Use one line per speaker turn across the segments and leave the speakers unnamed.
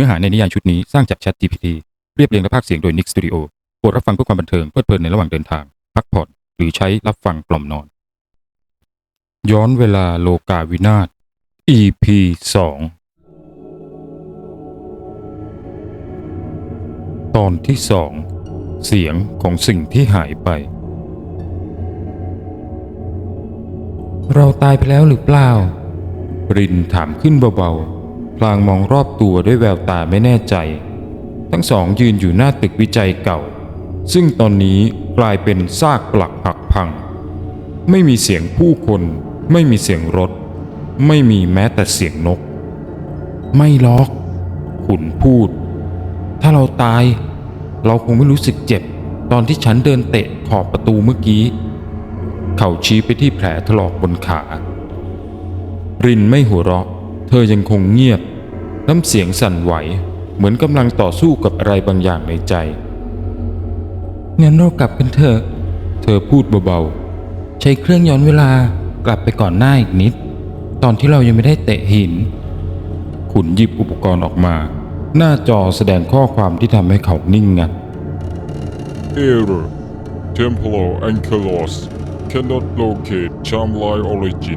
เนื้อหาในนิยายชุดนี้สร้างจาก ChatGPT เรียบเรียงและพากย์เสียงโดย Nick Studio โปรดรับฟังเพื่อความบันเทิงเพลิดเพลินในระหว่างเดินทางพักผ่อนหรือใช้รับฟังกล่อมนอนย้อนเวลาโลกาวินาศ EP 2 ตอนที่ 2 เสียงของสิ่งที่หายไปเราตายไปแล้วหรือเปล่ารินถามขึ้นเบาๆพลางมองรอบตัวด้วยแววตาไม่แน่ใจทั้งสองยืนอยู่หน้าตึกวิจัยเก่าซึ่งตอนนี้กลายเป็นซากปลักหักพังไม่มีเสียงผู้คนไม่มีเสียงรถไม่มีแม้แต่เสียงนกไม่หรอกขุนพูดถ้าเราตายเราคงไม่รู้สึกเจ็บตอนที่ฉันเดินเตะขอบประตูเมื่อกี้เขาชี้ไปที่แผลถลอกบนขารินไม่หัวเราะเธอยังคงเงียบน้ำเสียงสั่นไหวเหมือนกำลังต่อสู้กับอะไรบางอย่างในใจงั้นเรากลับกันเถอะเธอพูดเบาๆใช้เครื่องย้อนเวลากลับไปก่อนหน้าอีกนิดตอนที่เรายังไม่ได้เตะหินขุนหยิบอุปกรณ์ออกมาหน้าจอแสดงข้อความที่ทำให้เขานิ่งงัน
Error Temporal Ankylos cannot locate Charmline origin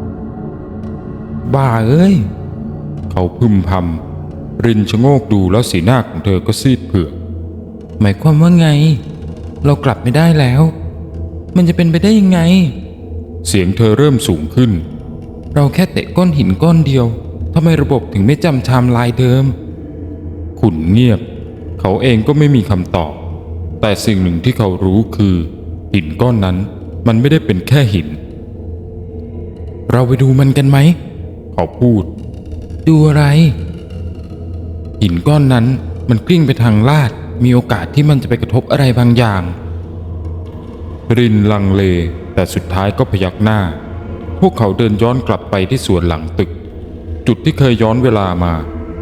บ้าเอ้ยเขาพึมพำรินชะโงกดูแล้วสีหน้าของเธอก็ซีดเผือกหมายความว่าไงเรากลับไม่ได้แล้วมันจะเป็นไปได้ยังไงเสียงเธอเริ่มสูงขึ้นเราแค่เตะก้อนหินก้อนเดียวทำไมระบบถึงไม่จำไทม์ไลน์เดิมขุนเงียบเขาเองก็ไม่มีคำตอบแต่สิ่งหนึ่งที่เขารู้คือหินก้อนนั้นมันไม่ได้เป็นแค่หินเราไปดูมันกันไหมเขาพูดดูอะไรหินก้อนนั้นมันกลิ้งไปทางลาดมีโอกาสที่มันจะไปกระทบอะไรบางอย่างรินลังเลแต่สุดท้ายก็พยักหน้าพวกเขาเดินย้อนกลับไปที่สวนหลังตึกจุดที่เคยย้อนเวลามา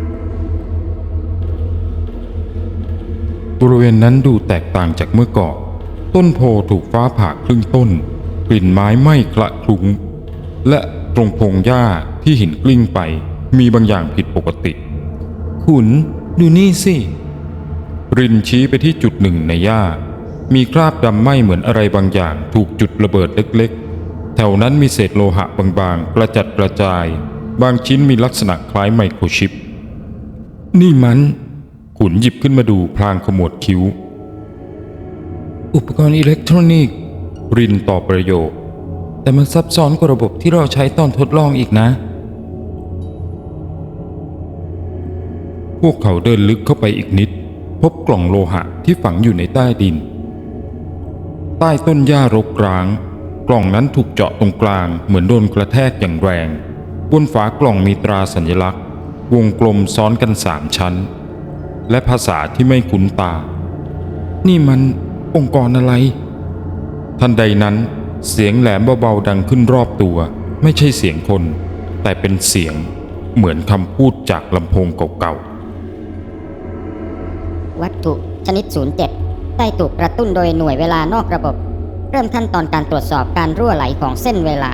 บริเวณนั้นดูแตกต่างจากเมื่อก่อนต้นโพถูกฟ้าผ่าครึ่งต้นกลิ่นไม้ไหม้คละคลุ้งและตรงพงหญ้าที่หินกลิ้งไปมีบางอย่างผิดปกติขุนดูนี่สิรินชี้ไปที่จุดหนึ่งในหญ้ามีคราบดำไหม้เหมือนอะไรบางอย่างถูกจุดระเบิดเล็กๆแถวนั้นมีเศษโลหะบางๆกระจัดกระจายบางชิ้นมีลักษณะคล้ายไมโครชิปนี่มันขุนหยิบขึ้นมาดูพลางขมวดคิ้วอุปกรณ์อิเล็กทรอนิกส์รินตอบประโยคแต่มันซับซ้อนกว่าระบบที่เราใช้ตอนทดลองอีกนะพวกเขาเดินลึกเข้าไปอีกนิดพบกล่องโลหะที่ฝังอยู่ในใต้ดินใต้ต้นหญ้ารกร้างกล่องนั้นถูกเจาะตรงกลางเหมือนโดนกระแทกอย่างแรงบนฝากล่องมีตราสัญลักษณ์วงกลมซ้อนกัน3 ชั้นและภาษาที่ไม่คุ้นตานี่มันองค์กรอะไรทันใดนั้นเสียงแหลมเบาๆดังขึ้นรอบตัวไม่ใช่เสียงคนแต่เป็นเสียงเหมือนคำพูดจากลำโพงเก่า
ๆวัตถุชนิด 07 ได้ถูกกระตุ้นโดยหน่วยเวลานอกระบบเริ่มขั้นตอนการตรวจสอบการรั่วไหลของเส้นเวลา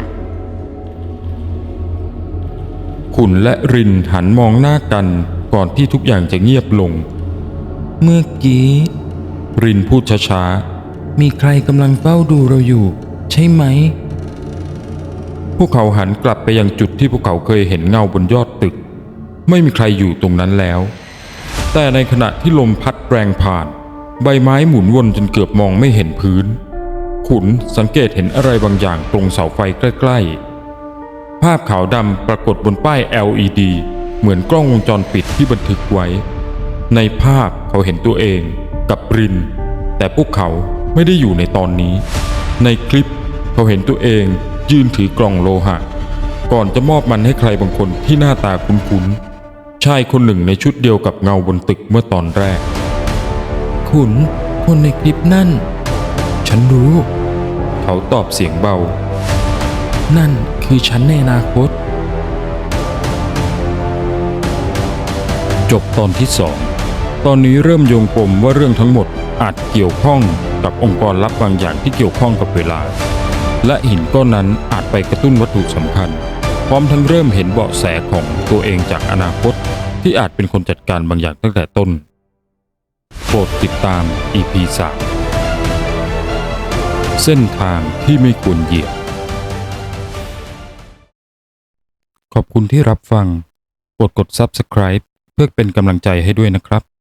ขุนและรินหันมองหน้ากันก่อนที่ทุกอย่างจะเงียบลงเมื่อกี้รินพูดช้าๆมีใครกำลังเฝ้าดูเราอยู่ใช่ไหมพวกเขาหันกลับไปยังจุดที่พวกเขาเคยเห็นเงาบนยอดตึกไม่มีใครอยู่ตรงนั้นแล้วแต่ในขณะที่ลมพัดแรงผ่านใบไม้หมุนวนจนเกือบมองไม่เห็นพื้นขุนสังเกตเห็นอะไรบางอย่างตรงเสาไฟใกล้ๆภาพขาวดำปรากฏบนป้าย LED เหมือนกล้องวงจรปิดที่บันทึกไว้ในภาพเขาเห็นตัวเองกับรินแต่พวกเขาไม่ได้อยู่ในตอนนี้ในคลิปเขาเห็นตัวเองยืนถือกล่องโลหะก่อนจะมอบมันให้ใครบางคนที่หน้าตาคุ้นๆชายคนหนึ่งในชุดเดียวกับเงาบนตึกเมื่อตอนแรกขุนคนในคลิปนั่นฉันรู้เขาตอบเสียงเบานั่นคือฉันในอนาคตจบตอนที่ 2ตอนนี้เริ่มโยงปมว่าเรื่องทั้งหมดอาจเกี่ยวข้องกับองค์กรลับบางอย่างที่เกี่ยวข้องกับเวลาและหินก้อนนั้นอาจไปกระตุ้นวัตถุสำคัญพร้อมทั้งเริ่มเห็นเบาะแสของตัวเองจากอนาคตที่อาจเป็นคนจัดการบางอย่างตั้งแต่ต้น โปรดติดตาม EP 3 เส้นทางที่ไม่ควรเหยียบ ขอบคุณที่รับฟัง โปรดกด Subscribe เพื่อเป็นกำลังใจให้ด้วยนะครับ